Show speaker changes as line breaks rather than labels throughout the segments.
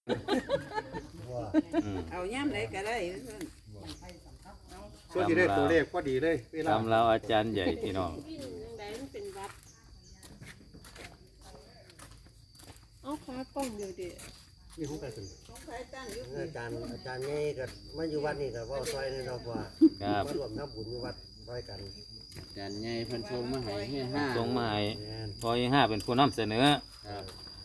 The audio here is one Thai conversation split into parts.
เอาย่ำไหนก็ได้
ส่วนที่ได้ตัวเลขพอดีเลยเวลา
ตำเราอาจารย์ใหญ่พี่น้อง
เอาขากล้องเดียวเดียว
นี่ของใครเป็น
อาจารย์นี่ก็มาอยู่วัดนี่ก็ว่าซอยนี่เรากว่า
ครับ
มารวมทำบุญอยู่วัดซอยกัน
อาจารย์ใหญ่เพันทรงมาให้ให้ห้า
ส่งมาให้
แม่น
พอยี่ห้าเป็นผู้นำเสนอ
ครับ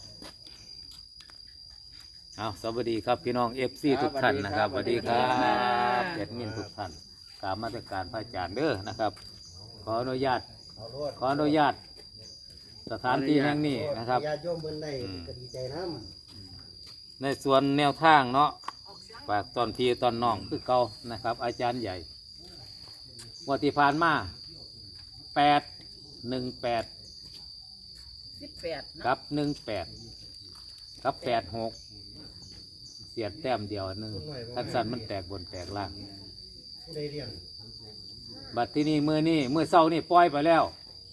เอาสวัสดีครับพี่น้องเอฟซีทุกท่านนะครับสวัสดีครับแอดมินทุกท่านตามมาตรการพระอาจารย์เด้อนะครับ ขออนุญาต
เอาโลด
ขออนุญาตสถานที่แห่งนี้นะครับ
ญาติโยมเพิ่นได้ก็ดีใจน้
ในส่วนแนวทางเนาะฝากตอนพี่ตอนน้องคือเก่านะครับ อาจารย์ใหญ่งวันที่ผ่านมา818
18
กับ18กับ86เสียดแต้มเดียวหนึ่งทันสันมันแตกบนแตกล่าง
ำผู้ใดเรียน
บัดที่นี่มือเศร้านี่ปล่อยไปแล้ว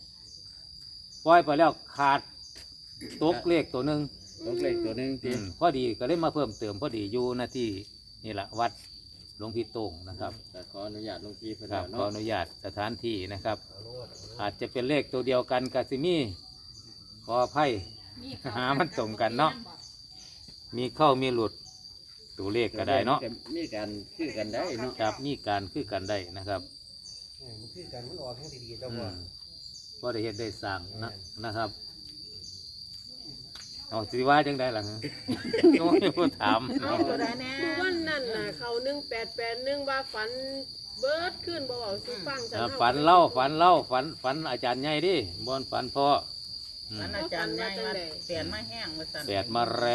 ขาดตกเลขตัวหนึ่ง
ตกเลขตัวหนึงที
พอดีก็เลยมาเพิ่มเติมพอดีอยู่หน้าที่นี่แหละวัดหลวงพี่โต่งนะครับ
แต่ขออนุญาตหลวงพี่เพิ่น
ครับ
แล้ว
ขอ
เนาะ
อนุญาตสถานที่นะครับ
เอาโลด
อาจจะเป็นเลขตัวเดียวกันกับซิมี่ขออภัยหามันตรงกันเนาะมีเข้ามีหลุดตัวเลขก็ได้เนาะ
มีการคือกันได้เนาะ
ครับมีการคือกันได้นะครับ
มันคือกันมันออกแห่งดีๆเจ้า
อื
ว่าม
ก็ได้เห็นได้สร้างนะครับเอาสิว่าจังได้หลัง โอ้ยพูดถาม
เอาตัวใดแน่
คือวันนั้นน่ะเขา1881ว่าฝันเบิดขึ้นบ่เอาสิฟังจัง
ฝันอาจารย์ใหญ่ดิบอนฝันพ่ออืม
มันอาจารย์ใหญ่มาเปลี่ยนมาแห้งมาสั่น
แปดมาแรง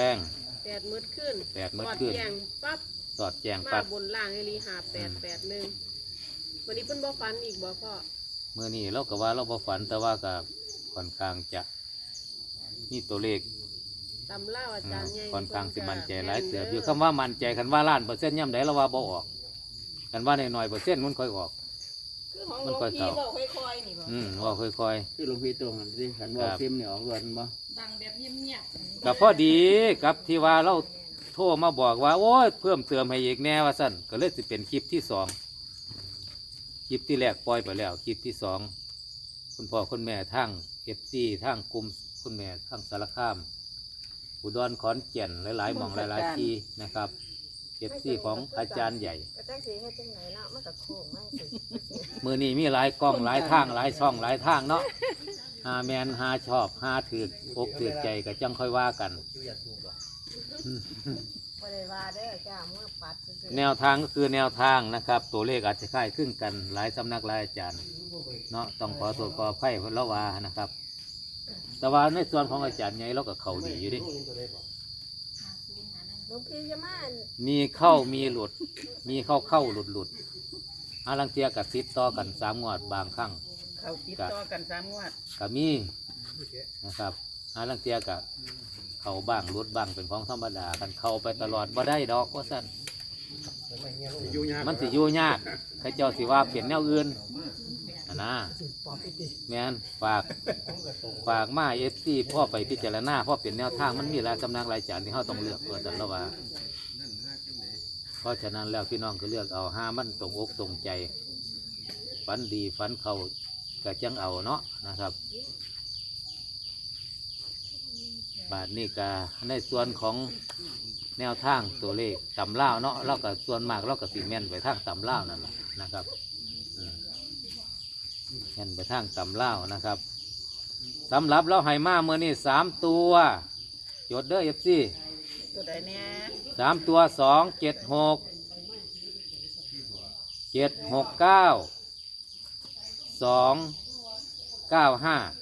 8มื้อขึ้น
แปดมื้อ
กอด
ขึ้น
แยงปั๊บ
สอดแจง
มา
ปัด
บนล่างไอ้ลี5881วันนี้เพิ่นบ่ฝันอีกบ่พ่อ
เมื่อนี้เราก็ว่าเราบ่ฝันแต่ว่าก็ค่อนข้างจะนี่ตัวเลข
ตำเล่าอาจารย์ใหญ่
ค่อนข้างสิมันใจหลายเสือบอยู่คำว่ามันใจคันว่าล้านเปอร์เซ็นต์ย่ำไหนเราว่าบ่ออกคันว่าน้อยๆเปอร์เซ็นต์มันค่อยออก
คือของหลวงพี่บอกค่อยๆนี่บ่
ว่าค่อย
คือหลวงพี่ตรงกันสิขันบอกซิมเนี่ยออกรวดบ่
ดังแบบเงียบ
ๆกับพอดีกับที่ว่าเราโทรมาบอกว่าโอ้ยเพิ่มเติมให้อีกแน่ว่าสั้นก็เลยสิเป็นคลิปที่สองคลิปที่แรกปล่อยไปแล้วคลิปที่สองคุณพ่อคุณแม่ทั้งFCทั้งกลุ่มคุณแม่ทั้งสารคามอุดรขอนแก่นหลายๆหม่องหลายๆที่นะครับFCของอาจารย์ใหญ่
ก็จังสีเฮ็ดจังไหนเนาะมันก็โค้งมันสิ
มือนี้มีหลายกล้องหลายทางหลายช่องหลายทางเนาะหาแมนหาชอบหาถือกอกถือใจก็จังค่อยว่ากัน
คิวอยากถูกบ่
บ่ได้ว่าเด้อจ้าเมื่อปัดซื่อ
แนวทางก็คือแนวทางนะครับ ตัวเลขอาจจะคล้ายคลึงกันหลายสำนักหลายอาจารย์เนาะต้องขอตัวขอไพ่เพนละว่านะครับ แต่ว่าในส่วนของอาจารย์ใหญ่เราก็เข้าดีอยู่ดิ
ลูกเห็นตัวใดบ่
ๆหลวงพี่จะมาอัน
มีเข้ามีหลุด มีเข้าหลุดอาลังเทียกับติดต่อกัน3 งวดบางครั้ง
ๆเขาติดต่อกัน3 งวด
ก็มีนะครับอาลังเทียกับเข้าบ้างหลุดบ้างเป็นของธรรมดากันเข้าไปตลอดบ่ได้ดอกว่าสั้น
ทำไมเฮียลูก
อยู่ยาก
มันสิอยู่ยากใครเจ้าสิว่าเปลี่ยนแนวอื่นอะนะแม่นฝากมาFCพ่อไปพิจารณาพ่อเปลี่ยนแนวทางมันมีหลายสำนักหลายจานที่เขาต้องเลือกตัวแต่ละว่า เพราะฉะนั้นแล้วพี่น้องก็เลือกเอาห้ามันตรงอกตรงใจฝันดีฝันเขาก็จังเอาเนาะนะครับ บาทนี้ก็ในส่วนของแนวทางตัวเลขตำเล่าวเนาะเราก็ส่วนมากเราก็สีแม่นไปทางตำเล่าวนั่นแหละนะครับแม่นไปทางตำเล่าวนะครับสำหรับเราให้มาเมื่อนี้3 ตัวจดเด้อFC
ตัวใดแน่
3 ตัว276 769 295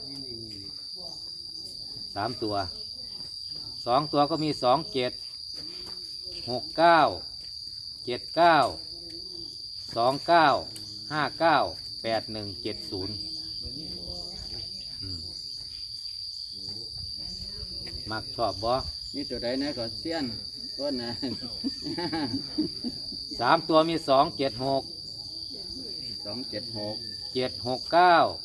3 ตัว2 ตัวก็มี27 69 29 29 51 70มักชอบบ่
มีตัวใดนะก็เสี้ยนต้นนะ
3 ตัวมี 276
276
769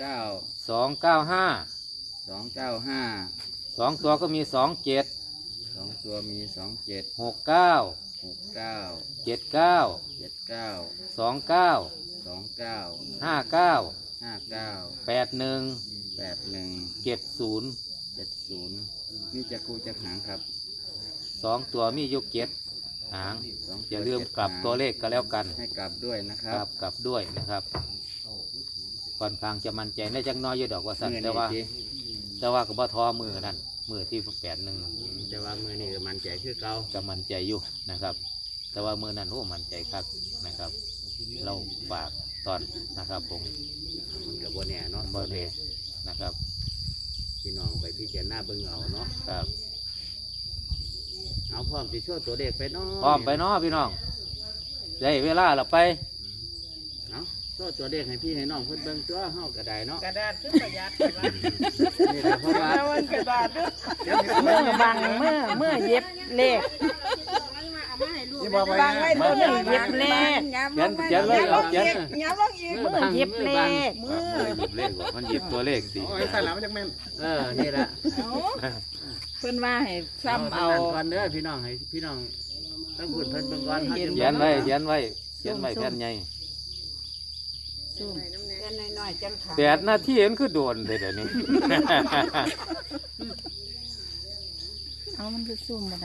769
295
295
2 ตัวก็มี 27
295 2 ตัวมี 27
69
69
79
79
29
29
59
59
81
81
70
70นี่จะคูจะหางครับ
2 ตัวมีอยู่7หาง
สง
อย่าลืมกลับตัวเลขก็แล้วกัน
ให้กลับด้วยนะค
ก
รั
ลั
บบ
กลับด้วยนะครับค่อนข้างจะมั่นใจได้จักหน้อยอยู่ดอกว่าสั่น
เงิน
แต่ว่า
ดี
แต่ว่าก็บ่ท้อมือนั่นมือที่81
แต่ว่ามือนี่ก็มันใจคือเก่า
ก็มั่นใจอยู่นะครับ แต่ว่ามือนั้นโอ้มั่นใจครับนะครับ เราฝากตอนนะครับผม
มันกับบนแน่เนาะ
บ่เดนะครับ
พี่น้องไปพิจารณาเบิ่งเอาเนาะ
ครับ
เอาพร้อมสิช่วยตัวเลขไปเนาะ
พร้อมไปเนาะพี่น้องได้เวลาเราไป
เอาช่วยตัวเลขให้พี่ให้น้องเพิ่นเบิ่งตัวเฮาก็ได้เนาะ
กระดาษขึ้นประหยัดไปว่า
นี่แหละเพราะว่า
มันกระดาษด้วย
เมื่อบังเมื่อเย็บเลข
นี่บอกไว้
บังไว้ตัวหนึ่งเย็บเลข
เขียนเลยเอาเขียน
ย้ำลงอีกเมื่อเย็บเลข
หยิบเลขบ่มันหยิบตัวเลขสิ
โอ้ยใส่แล้วมันจะแม่น
นี่แหละ
เพิ่นว่าให้ซ้ำเอา
ก่อนเด้อพี่น้องให้พี่น้องต้องพูดเพิ่นเบิ่งก่อนเฮาจะ
เขียนไว้เขียนไว้เขียนไว้แผ่นใหญ่
เงินน้อยๆจังขา
8 นาทีมันคือโดนเลยเดี๋ยวนี้
เอามันคือซุ่มมาได้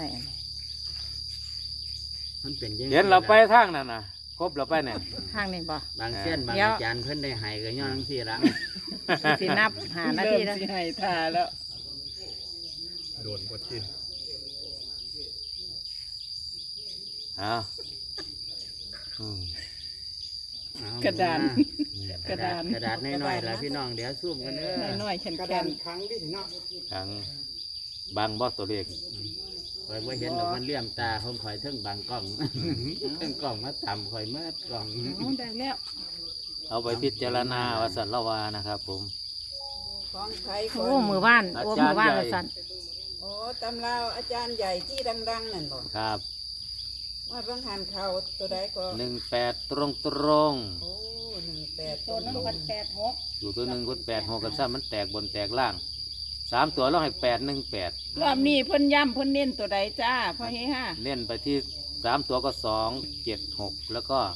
มันเป็นยังไง
เขียนเราไปทางนั้นน่ะครบเราไปเนี่ย
ทางนี้บ่
บางเส้นบาง
เดี๋ยว
อาจารย์เพิ่นได้ให้ก็ย้อนจังซี่ละ
สินับหานาทีแล้ว
สิให้ท่าแล้ว
โดนบทที่
เอาอืม
เอา
กระดาน
กระดาษน้อยๆล่ะพี่น้องเดี๋ยวซูมกันเด้อ
น้อยๆแข็ง
กระ
แข็
ดาง นครั้งที่เนาะ
ทางบางบ่ตัวเลข
ข่อยบ่เห็นดอกมันเลี่ยมตาผมข่อยเทิงบางกล้องเทิงกล้องมาต่ำข่อยเมื่อกล้อง
ได้แล้ว
เอาไปพิจารณาว่าสันละวานะครับผม
ของใครโอ้มือบ้านโอ้มือบ้านละสัน
โอ้ตำราวอาจารย์ใหญ่ที่ดังๆนั่นบ่
ครับ
ว่าบางหันเขาตัวใดก็
18 ตรงตรง
โอ้18
ตัวนึงมัน86
ๆอยู่ตัวหนึ่งคน8 6กันซ้ำมันแตกบนแตกล่าง3 ตัวเราให้818
รอบนี้เพิ่นย้ำเพิ่นเน้นตัวใดจ้าพ่อเฮฮา
เน้นไปที่3 ตัวก็2 7 6 แล้วก็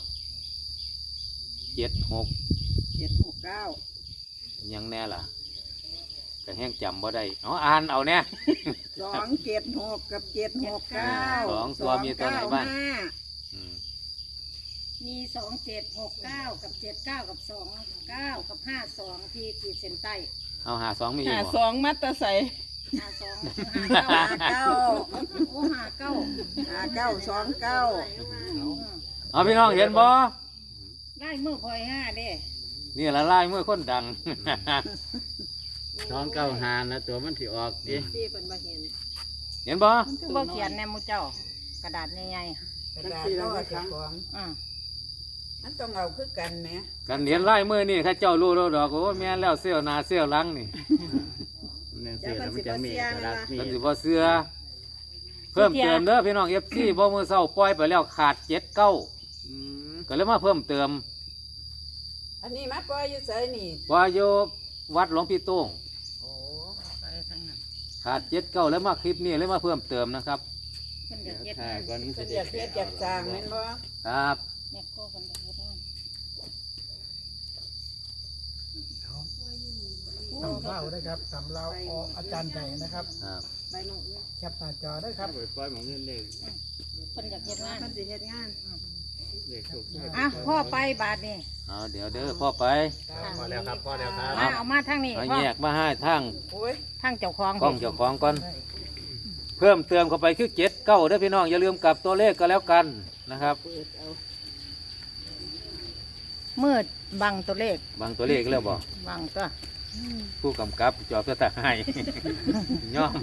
76
769
ยังแน่ล่ะก็แห้งจำบ่ได้เอาอ่านเอาเนี่ย
276กับ769
สองตัวมีตัวไหนบ้าง อืม
มี2769กับ79กับ29กับ52ที่ขีดเส้นใต้
เอา52มีอีก
หา
บ่
สองมัตตะใส่
52 59โอ้59
5929
เอาพี่น้องเห็นบ่
ได้มือพลอย5เด้
นี่ละลายเมื่อคนดัง
295นะตัวมันสิออกดิ
ที่เพิ่นบ่เห็น
เห็นบ่
คือบ่เขียนแนหมู่เจ้ากระดาษใหญ่
กระดาษก็เจ้าของ
ๆอือ
มันต้องเอาคือกันแหม
กันเห็นลายมือนี่ข้าเจ้ารู้แล้วดอกโอ้แม่นแล้วเสี้ยวหนาเสี้ยวหลังนี่
นั่นสิแล้วมันจะมีเอกลักษณ์
มัน
นี่
สิบ่เสือเพิ่มเติมเด้อพี่น้อง FC บ่มือเศร้าปล่อยไปแล้วขาด79ก็เลยมาเพิ่มเติม
อันนี้มาปล่อยอยู่ไสนี่
ว่าอยู่วัดหลวงพี่โต้ง
โอ้
ไปทางนั้น
ขาด79แล้วมาคลิปนี้เลยมาเพิ่มเติมนะครับ
เพิ่น
เดี๋
จะ
ยว
เฮ็ด
ถ่ายก่อนมัน
เพิ่
สิ
น
ได้
อยากเฮ็ดอยากสร้างแม่นบ่
ครับ
แม่โคเพิ่นจะเฮ็ดงาน
ตำเล่าได้ครับตำเล่าออาจารย์ใหญ่นะครับ
ครับ
ใบมะอึ
แคปหน้าจอได้ครับ
ปล่อยหมองเงินเลข
เพิ่นอยากเฮ็ดงาน
เพิ่นสิเฮ็ดงาน
เลขถูกใช่
อ่ะพ่อไปบาทนี่
เอาเดี๋ยวเด้อพ่อไป
พอแล้วครับพอแล้วครับ
มาเอามาทางนี้
เอา
พ่อ
แยกมาให้ทาง
โอ้ย
ทางเจ้าของ
กล้องเจ้าของก่อนเพิ่มเติมเข้าไปคือ79เด้อพี่น้องอย่าลืมกลับตัวเลขก็แล้วกันนะครับ
มืดบังตัวเลข
บางตัวเลขแล้วบ่
บังก็
ผู้กำกับจอบตาให้ ย่อม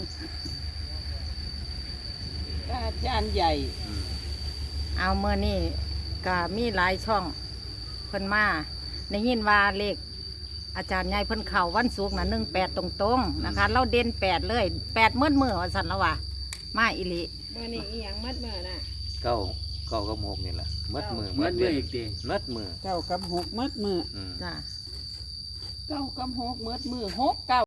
อาจารย์ใหญ่
เอาเมื่อนี่ก็มีหลายช่องเพิ่นมาได้ยินว่าเลขอาจารย์ใหญ่เพิ่นเข่าวันศุกร์น่ะ18ตรงๆนะคะ เราเด่น8เลย8มื้อมื้อว่าซั่นแล้วว่ามาอีหลี
เมื่อนี้อีหยังมัดมื้อน่ะ
เก้ากับหกนี่แหละมัดมือ
เมื่อ
เดื
เมื่
อ
อน อีกที
มัดมือ
9กับ6มัดมือ
อืม
จ้า
9กับ6มื้อ6 9